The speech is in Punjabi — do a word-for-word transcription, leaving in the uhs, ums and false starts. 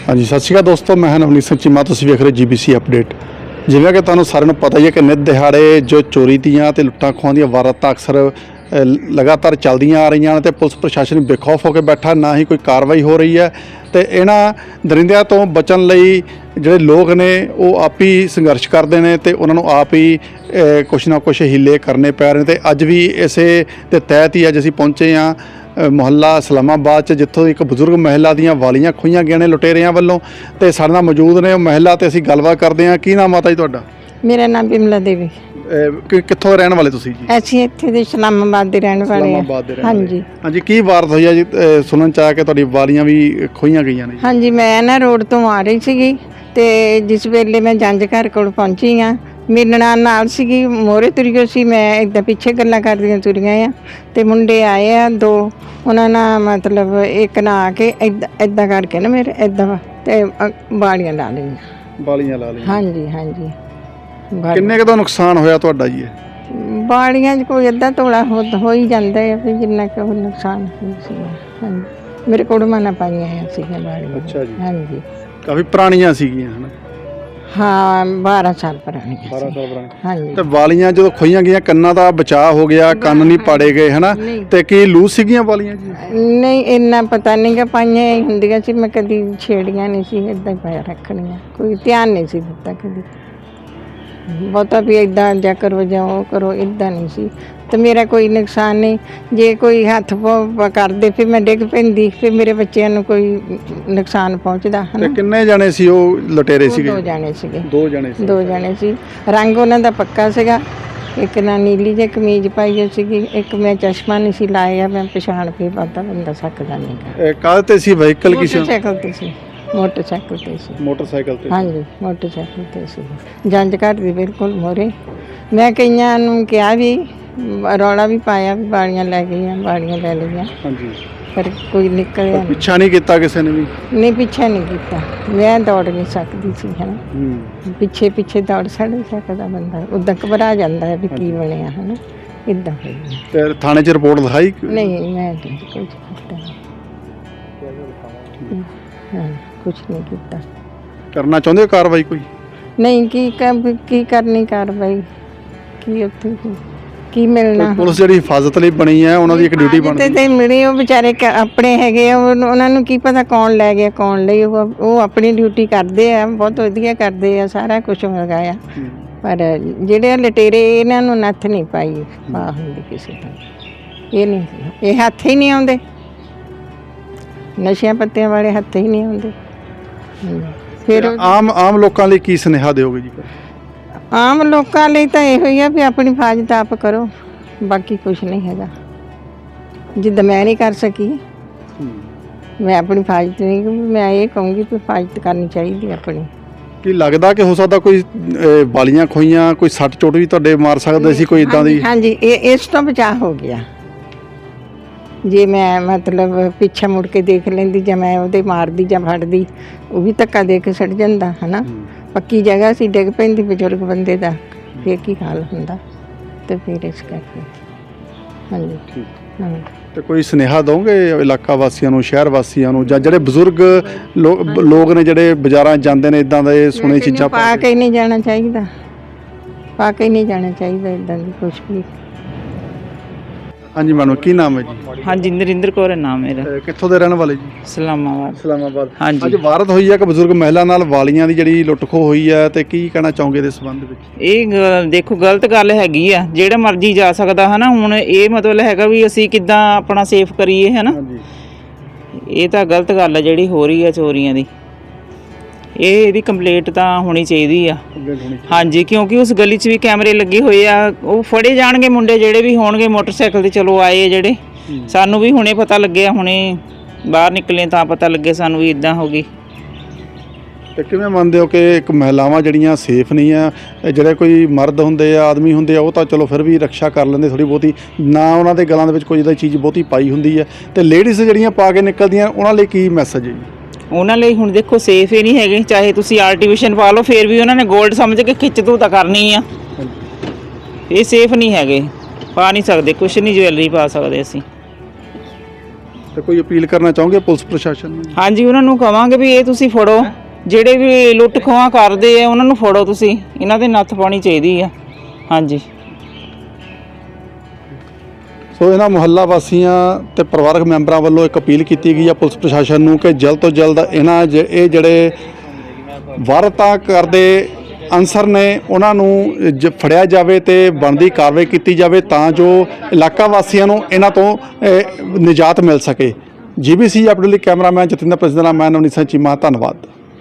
हाँ जी, सत श्री अकाल दोस्तों, मैं नवनीत सिंह चीमा, तुसीं वेख रहे जी बी सी अपडेट। जिवें कि तुहानूं सारिਆਂ ਨੂੰ पता ही है कि नित दिहाड़े जो चोरी दीआं ते लुट्टां खोहां ਦੀਆਂ वारदाਤਾਂ अक्सर लगातार चलदियां आ रही हैं ते पुलिस प्रशासन बेखौफ होकर बैठा, ना ही कोई कार्रवाई हो रही है। तो इन्हां दरिंदिਆਂ ਤੋਂ बचण ਲਈ ਜਿਹੜੇ लोग ने वो आप ही संघर्ष करते हैं तो उन्होंने आप ही कुछ ना कुछ हीले करने पै रहे। तो अज भी इसे के तहत ही अज असीं पहुँचे हाँ मुहल्ला इस्लामाबाद च, जिथों एक बजुर्ग महिला दीआं वालियां खोईयां गईਆਂ ने लुटेरिਆਂ ਵੱਲੋਂ। तो साडे नाल मौजूद ने महिला, तो असीं गलबात करते हैं। की नाम माता जी तुहाडा? मेरा नाम बिमला देवी। कित्थों रहण वाले तुसीं जी? ਅਸੀਂ ਇੱਥੇ ਦੇ ਇਸਲਾਮਾਬਾਦ ਦੇ ਰਹਿਣ ਵਾਲੇ ਹਾਂ। इस्लामाबाद दे रहण ਹਾਂਜੀ वाले। हाँ जी, की वारदात हुई है जी? सुनन च आया कि तुहाडी वालियां भी खोईयां गईਆਂ ने। ਹਾਂਜੀ ਮੈਂ ਨਾ ਰੋਡ ਤੋਂ ਆ ਰਹੀ ਸੀਗੀ ਤੇ ਜਿਸ ਵੇਲੇ ਮੈਂ ਜੰਜ ਘਰ ਕੋਲ ਪਹੁੰਚੀ ਆ, ਮੇਰੇ ਨਾਲ ਨਾਲ ਸੀਗੀ, ਮੋਰੇ ਤੁਰੀ ਸੀ, ਮੈਂ ਇੱਦਾਂ ਪਿੱਛੇ ਗੱਲਾਂ ਕਰਦੀਆਂ ਤੁਰੀਆਂ ਆ ਤੇ ਮੁੰਡੇ ਆਏ ਆ ਦੋ, ਉਹਨਾਂ ਨਾਲ ਮਤਲਬ ਇੱਕ ਨਾ ਆ ਕੇ ਇੱਦਾਂ ਇੱਦਾਂ ਕਰਕੇ ਨਾ ਮੇਰੇ ਇੱਦਾਂ ਤੇ ਬਾਲੀਆਂ ਲਾ ਲਈਆਂ। ਵਾਲੀਆਂ ਲਾ ਲਈਆਂ। ਹਾਂਜੀ ਹਾਂਜੀ। ਬਾ- ਕਿੰਨੇ ਕੁ ਦਾ ਨੁਕਸਾਨ ਹੋਇਆ ਤੁਹਾਡਾ ਜੀ? ਬਾਲੀਆਂ 'ਚ ਕੋਈ ਅੱਧਾ ਤੋਲਾ ਹੋ ਹੋ ਹੀ ਜਾਂਦਾ ਹੈ ਵੀ ਜਿੰਨਾ ਕੁ ਉਹ ਨੁਕਸਾਨ ਹੋਇਆ ਸੀ। ਹਾਂਜੀ, ਮੇਰੇ ਕੋਲ ਮਨਾ ਪਾਈਆਂ ਆ ਸੀਗੀਆਂ ਬਾਲੀਆਂ। ਅੱਛਾ ਜੀ। ਹਾਂਜੀ ਕਾਫੀ ਪੁਰਾਣੀਆਂ ਸੀਗੀਆਂ ਹਨਾ? ਹਾਂ, ਬਾਰਾਂ ਸਾਲ ਪੁਰਾਣੀ ਸੀ। ਬਾਰਾਂ ਸਾਲ ਪੁਰਾਣੀ। ਹਾਂਜੀ। ਤੇ ਵਾਲੀਆਂ ਜਦੋਂ ਖੋਈਆਂ ਗਈਆਂ, ਕੰਨਾਂ ਦਾ ਬਚਾਅ ਹੋ ਗਿਆ, ਕੰਨ ਨਹੀਂ ਪਾੜੇ ਗਏ ਹਨਾ? ਨਹੀਂ। ਤੇ ਕੀ ਲੂਸ ਸੀਗੀਆਂ ਵਾਲੀਆਂ ਜੀ? ਨਹੀਂ, ਇੰਨਾ ਪਤਾ ਨਹੀਂ ਗਾ, ਪਾਈਆਂ ਹੀ ਹੁੰਦੀਆਂ ਸੀ, ਮੈਂ ਕਦੀ ਛੇੜੀਆਂ ਨਹੀਂ ਸੀ, ਇੱਦਾਂ ਹੀ ਪਾਇਆ ਰੱਖਣੀਆਂ, ਕੋਈ ਧਿਆਨ ਨਹੀਂ ਸੀ ਦਿੱਤਾ ਕਦੀ। ਬਹੁਤਾ ਵੀ ਇੱਦਾਂ ਜਾ ਕਰੋ ਜਾਂ ਉਹ ਕਰੋ, ਇੱਦਾਂ ਨਹੀਂ ਸੀ। ਤੇ ਮੇਰਾ ਕੋਈ ਨੁਕਸਾਨ ਨਹੀਂ। ਜੇ ਕੋਈ ਹੱਥ ਪ ਕਰਦੇ ਫਿਰ ਮੈਂ ਡਿੱਗ ਪੈਂਦੀ, ਫਿਰ ਮੇਰੇ ਬੱਚਿਆਂ ਨੂੰ ਕੋਈ ਨੁਕਸਾਨ ਪਹੁੰਚਦਾ ਹੈ ਤੇ ਨਾ। ਕਿੰਨੇ ਜਾਣੇ ਸੀ ਉਹ ਲੁਟੇਰੇ ਸੀਗੇ? ਦੋ ਜਾਣੇ ਸੀਗੇ। ਦੋ ਜਾਣੇ ਸੀ। ਦੋ ਜਾਣੇ ਸੀ। ਰੰਗ ਉਹਨਾਂ ਦਾ ਪੱਕਾ ਸੀਗਾ, ਇੱਕ ਨਾ ਨੀਲੀ ਜਿਹੀ ਕਮੀਜ਼ ਪਾਈ ਹੋਈ ਸੀਗੀ, ਇੱਕ ਮੈਂ ਚਸ਼ਮਾ ਨਹੀਂ ਸੀ ਲਾਇਆ, ਮੈਂ ਪਛਾਣ ਕੇ ਪਤਾ ਬੰਦਾ ਸਕਦਾ ਨਹੀਂ ਗਾ। ਇਹ ਕਾਹਦੇ ਤੇ ਸੀ? ਵਹੀਕਲ ਕਿਸੇ? ਮੋਟਰਸਾਈਕਲ ਤੇ ਸੀ। ਮੋਟਰਸਾਈਕਲ ਤੇ ਸੀ। ਮੋਟਰਸਾਈਕਲ ਤੇ? ਹਾਂਜੀ, ਮੋਟਰਸਾਈਕਲ ਤੇ ਸੀ। ਜੰਜ ਘਰ ਦੀ ਬਿਲਕੁਲ ਮੋਰੇ। ਮੈਂ ਕਈਆਂ ਨੂੰ ਕਿਹਾ ਵੀ, ਰੌਲਾ ਵੀ ਪਾਇਆ ਵੀ ਬਾਲੀਆਂ ਲੈ ਗਈਆਂ, ਬਾਲੀਆਂ ਲੈ ਲਈਆਂ, ਹਾਂਜੀ, ਪਰ ਕੋਈ ਨਿਕਲਿਆ ਨਹੀਂ। ਪਿੱਛਾ ਨਹੀਂ ਕੀਤਾ ਕਿਸੇ ਨੇ ਵੀ? ਨਹੀਂ, ਪਿੱਛੇ ਨਹੀਂ ਕੀਤਾ, ਮੈਂ ਦੌੜ ਨਹੀਂ ਸਕਦੀ ਸੀ ਹੈ ਨਾ। ਹੂੰ। ਪਿੱਛੇ ਪਿੱਛੇ ਦੌੜ ਸੜ ਸਕਦਾ ਬੰਦਾ, ਉੱਦਾਂ ਘਬਰਾ ਜਾਂਦਾ ਹੈ ਵੀ ਕੀ ਬਣਿਆ ਹੈ ਨਾ, ਇੱਦਾਂ ਹੋਈ। ਤੇ ਥਾਣੇ 'ਚ ਰਿਪੋਰਟ ਲਿਖਾਈ? ਨਹੀਂ, ਮੈਂ ਨਹੀਂ ਕੁਝ ਕੀਤਾ। ਹਾਂ, ਕੁਛ ਨਹੀਂ ਕੀਤਾ। ਕਰਨਾ ਚਾਹੁੰਦੇ ਹੋ ਕਾਰਵਾਈ ਕੋਈ? ਨਹੀਂ, ਕੀ ਕਰ ਕੀ ਕਰਨੀ ਕਾਰਵਾਈ, ਕੀ ਉੱਥੇ ਕੀ ਮਿਲਣਾ। ਪੁਲਿਸ ਜਿਹੜੀ ਹਿਫਾਜ਼ਤ ਲਈ ਬਣੀ ਹੈ, ਉਹਨਾਂ ਦੀ ਇੱਕ ਡਿਊਟੀ ਬਣਦੀ ਤੇ ਤੇ ਮਿਲੇ, ਉਹ ਵਿਚਾਰੇ ਕ- ਆਪਣੇ ਹੈਗੇ ਆ, ਉਹ- ਉਹਨਾਂ ਨੂੰ ਕੀ ਪਤਾ ਕੌਣ ਲੈ ਗਿਆ ਕੌਣ ਲਈ। ਉਹ ਉਹ ਆਪਣੀ ਡਿਊਟੀ ਕਰਦੇ ਆ, ਬਹੁਤ ਵਧੀਆ ਕਰਦੇ ਆ, ਸਾਰਾ ਕੁਝ ਹੈਗਾ ਆ। ਪਰ ਜਿਹੜੇ ਲਟੇਰੇ, ਇਹਨਾਂ ਨੂੰ ਨੱਥ ਨਹੀਂ ਪਾਈ ਪਾ ਹੁੰਦੀ ਕਿਸੇ ਦਾ। ਇਹ ਨਹੀਂ, ਇਹ ਹੱਥ ਹੀ ਨਹੀਂ ਆਉਂਦੇ, ਨਸ਼ਿਆਂ ਪੱਤਿਆਂ ਵਾਲੇ ਹੱਥ ਹੀ ਨਹੀਂ ਆਉਂਦੇ। ਫਿਰ ਆਮ ਆਮ ਲੋਕਾਂ ਲਈ ਕੀ ਸੁਨੇਹਾ ਦਿਓਗੇ ਜੀ? ਆਮ ਲੋਕਾਂ ਲਈ ਤਾਂ ਇਹੋ ਹੀ ਆ ਵੀ ਆਪਣੀ ਹਿਫਾਜ਼ਤ ਆਪ ਕਰੋ, ਬਾਕੀ ਕੁਝ ਨਹੀਂ ਹੈਗਾ। ਜਿੱਦਾਂ ਮੈਂ ਨਹੀਂ ਕਰ ਸਕੀ, ਮੈਂ ਆਪਣੀ ਹਿਫਾਜ਼ਤ ਨਹੀਂ, ਮੈਂ ਇਹ ਕਹੂੰਗੀ ਵੀ ਹਿਫਾਜ਼ਤ ਕਰਨੀ ਚਾਹੀਦੀ ਆਪਣੀ। ਕੀ ਲੱਗਦਾ ਕਿ ਹੋ ਸਕਦਾ ਕੋਈ ਅਹ, ਵਾਲੀਆਂ ਖੋਈਆਂ, ਕੋਈ ਸੱਟ ਚੋਟ ਵੀ ਤੁਹਾਡੇ ਮਾਰ ਸਕਦੇ ਸੀ, ਕੋਈ ਇਦਾਂ ਦੀ? ਹਾਂਜੀ, ਇਹ ਇਸ ਤੋਂ ਬਚਾਅ ਹੋ ਗਿਆ। ਜੇ ਮੈਂ ਮਤਲਬ ਪਿੱਛੇ ਮੁੜ ਕੇ ਦੇਖ ਲੈਂਦੀ ਜਾਂ ਮੈਂ ਉਹਦੇ ਮਾਰਦੀ ਜਾਂ ਫੜਦੀ, ਉਹ ਵੀ ਧੱਕਾ ਦੇ ਕੇ ਸੜ ਜਾਂਦਾ ਹੈ ਨਾ। ਪੱਕੀ ਜਗ੍ਹਾ ਸੀ, ਡਿੱਗ ਪੈਂਦੀ ਬਜ਼ੁਰਗ ਬੰਦੇ ਦਾ, ਫਿਰ ਕੀ ਹਾਲ ਹੁੰਦਾ। ਤੇ ਫਿਰ ਇਸ ਕਰਕੇ ਹਾਂਜੀ। ਹਾਂ, ਤੇ ਕੋਈ ਸੁਨੇਹਾ ਦੋਗੇ ਇਲਾਕਾ ਵਾਸੀਆਂ ਨੂੰ, ਸ਼ਹਿਰ ਵਾਸੀਆਂ ਨੂੰ, ਜਾਂ ਜਿਹੜੇ ਬਜ਼ੁਰਗ ਲੋਕ ਨੇ ਜਿਹੜੇ ਬਾਜ਼ਾਰਾਂ ਜਾਂਦੇ ਨੇ ਇਦਾਂ ਦੇ ਸੁਣੇ ਚੀਜ਼ਾਂ ਪਾ ਕੇ ਨਹੀਂ ਜਾਣਾ ਚਾਹੀਦਾ, ਪਾ ਕੇ ਨਹੀਂ ਜਾਣਾ ਚਾਹੀਦਾ ਇਦਾਂ ਦੀ ਕੁਛ ਵੀ। ਹਾਂਜੀ ਮੈਡਮ, ਕੀ ਨਾਮ ਹੈ ਜੀ? ਹਾਂਜੀ, ਨਰਿੰਦਰ ਕੌਰ ਹੈ ਨਾਮ ਮੇਰਾ। ਅਹ, ਕਿੱਥੋਂ ਦੇ ਰਹਿਣ ਵਾਲੇ ਜੀ? ਇਸਲਾਮਾਬਾਦ। ਇਸਲਾਮਾਬਾਦ। ਹਾਂਜੀ। ਅੱਜ ਵਾਰਦਾਤ ਹੋਈ ਹੈ ਕਿ ਬਜ਼ੁਰਗ ਮਹਿਲਾ ਨਾਲ ਵਾਲੀਆਂ ਦੀ ਜਿਹੜੀ ਲੁੱਟ ਖੋਹ ਹੋਈ ਹੈ, ਤੇ ਕੀ ਕਹਿਣਾ ਚਾਹੋਗੇ ਇਹਦੇ ਸੰਬੰਧ ਵਿੱਚ? ਇਹ ਗ- ਦੇਖੋ ਗਲਤ ਗੱਲ ਹੈਗੀ ਆ, ਜਿਹੜਾ ਮਰਜ਼ੀ ਜਾ ਸਕਦਾ ਹੈ ਨਾ। ਹੁਣ ਇਹ ਮਤਲਬ ਹੈਗਾ ਵੀ ਅਸੀਂ ਕਿੱਦਾਂ ਆਪਣਾ ਸੇਫ ਕਰੀਏ ਹੈ ਨਾ। ਹਾਂਜੀ। ਇਹ ਤਾਂ ਗਲਤ ਗੱਲ ਆ ਜਿਹੜੀ ਹੋ ਰਹੀ ਆ ਚੋਰੀਆਂ ਦੀ। ਇਹ ਇਹਦੀ ਕੰਪਲੇਂਟ ਤਾਂ ਹੋਣੀ ਚਾਹੀਦੀ ਆ। ਹਾਂਜੀ, ਕਿਉਂਕਿ ਉਸ ਗਲੀ 'ਚ ਵੀ ਕੈਮਰੇ ਲੱਗੇ ਹੋਏ ਆ, ਉਹ ਫੜੇ ਜਾਣਗੇ ਮੁੰਡੇ ਜਿਹੜੇ ਵੀ ਹੋਣਗੇ ਮੋਟਰਸਾਈਕਲ ਤੇ ਚਲੋ ਆਏ ਜਿਹੜੇ। ਸਾਨੂੰ ਵੀ ਹੁਣੇ ਪਤਾ ਲੱਗਿਆ, ਹੁਣੇ ਬਾਹਰ ਨਿਕਲੇ ਤਾਂ ਪਤਾ ਲੱਗੇ ਸਾਨੂੰ ਵੀ ਇਦਾਂ ਹੋ ਗਈ। ਤੇ ਕਿਵੇਂ ਮੰਨਦੇ ਹੋ ਕਿ ਇੱਕ ਮਹਿਲਾਵਾਂ ਜਿਹੜੀਆਂ ਸੇਫ ਨਹੀਂ ਆ? ਜਿਹੜੇ ਕੋਈ ਮਰਦ ਹੁੰਦੇ ਆ, ਆਦਮੀ ਹੁੰਦੇ ਆ, ਉਹ ਤਾਂ ਚਲੋ ਫਿਰ ਵੀ ਰੱਖਿਆ ਕਰ ਲੈਂਦੇ ਥੋੜੀ ਬਹੁਤੀ, ਨਾ ਉਹਨਾਂ ਦੇ ਗਲਾਂ ਦੇ ਵਿੱਚ ਕੋਈ ਇਹਦਾ ਚੀਜ਼ ਬਹੁਤੀ ਪਾਈ ਹੁੰਦੀ ਹੈ। ਤੇ ਲੇਡੀਜ਼ ਜਿਹੜੀਆਂ ਪਾ ਕੇ ਨਿਕਲਦੀਆਂ, ਉਹਨਾਂ ਲਈ ਕੀ ਮੈਸੇਜ ਹੈ ਜੀ? ਉਹਨਾਂ ਲਈ ਹੁਣ ਦੇਖੋ ਸੇਫ ਹੀ ਨਹੀਂ ਹੈਗੇ, ਚਾਹੇ ਤੁਸੀਂ ਆਰਟੀਫਿਸ਼ਲ ਪਾ ਲਓ, ਫਿਰ ਵੀ ਉਹਨਾਂ ਨੇ ਗੋਲਡ ਸਮਝ ਕੇ ਖਿੱਚ ਤੂੰ ਤਾਂ ਕਰਨੀ ਆ। ਇਹ ਸੇਫ ਨਹੀਂ ਹੈਗੇ, ਪਾ ਨਹੀਂ ਸਕਦੇ ਕੁਛ ਨਹੀਂ, ਜਵੈਲਰੀ ਪਾ ਸਕਦੇ ਅਸੀਂ। ਤੇ ਕੋਈ ਅਪੀਲ ਕਰਨਾ ਚਾਹੋਗੇ ਪੁਲਿਸ ਪ੍ਰਸ਼ਾਸਨ ਨੂੰ? ਹਾਂਜੀ ਉਹਨਾਂ ਨੂੰ ਕਵਾਂਗੇ ਵੀ ਇਹ ਤੁਸੀਂ ਫੜੋ, ਜਿਹੜੇ ਵੀ ਲੁੱਟ ਖੋਹਾਂ ਕਰਦੇ ਆ ਉਹਨਾਂ ਨੂੰ ਫੜੋ, ਤੁਸੀਂ ਇਹਨਾਂ ਦੇ ਨੱਥ ਪਾਉਣੀ ਚਾਹੀਦੀ ਆ। ਹਾਂਜੀ। ਸੋ ਇਹਨਾਂ ਮੁਹੱਲਾ ਵਾਸੀਆਂ ਤੇ ਪਰਿਵਾਰਕ ਮੈਂਬਰਾਂ ਵੱਲੋਂ ਇੱਕ ਅਪੀਲ ਕੀਤੀ ਗਈ ਹੈ ਪੁਲਿਸ ਪ੍ਰਸ਼ਾਸਨ ਨੂੰ ਕਿ ਜਲਦ ਤੋਂ ਜਲਦ ਇਹਨਾਂ ਜ- ਇਹ ਜਿਹੜੇ ਵਾਰਤਾ ਕਰਦੇ ਅਨਸਰ ਨੇ ਉਹਨਾਂ ਨੂੰ ਜ ਫੜਿਆ ਜਾਵੇ ਤੇ ਬਣਦੀ ਕਾਰਵਾਈ ਕੀਤੀ ਜਾਵੇ ਤਾਂ ਜੋ ਇਲਾਕਾ ਵਾਸੀਆਂ ਨੂੰ ਇਹਨਾਂ ਤੋਂ ਅ, ਨਿਜਾਤ ਮਿਲ ਸਕੇ। ਜੀਬੀਸੀ ਅਪਡੇਟ ਲਈ ਕੈਮਰਾਮੈਨ ਜਤਿੰਦਰ ਪ੍ਰਸਿੱਧ ਨਾਲ ਮੈਂ ਨਵਨੀਤ ਸਿੰਘ ਚੀਮਾ, ਧੰਨਵਾਦ।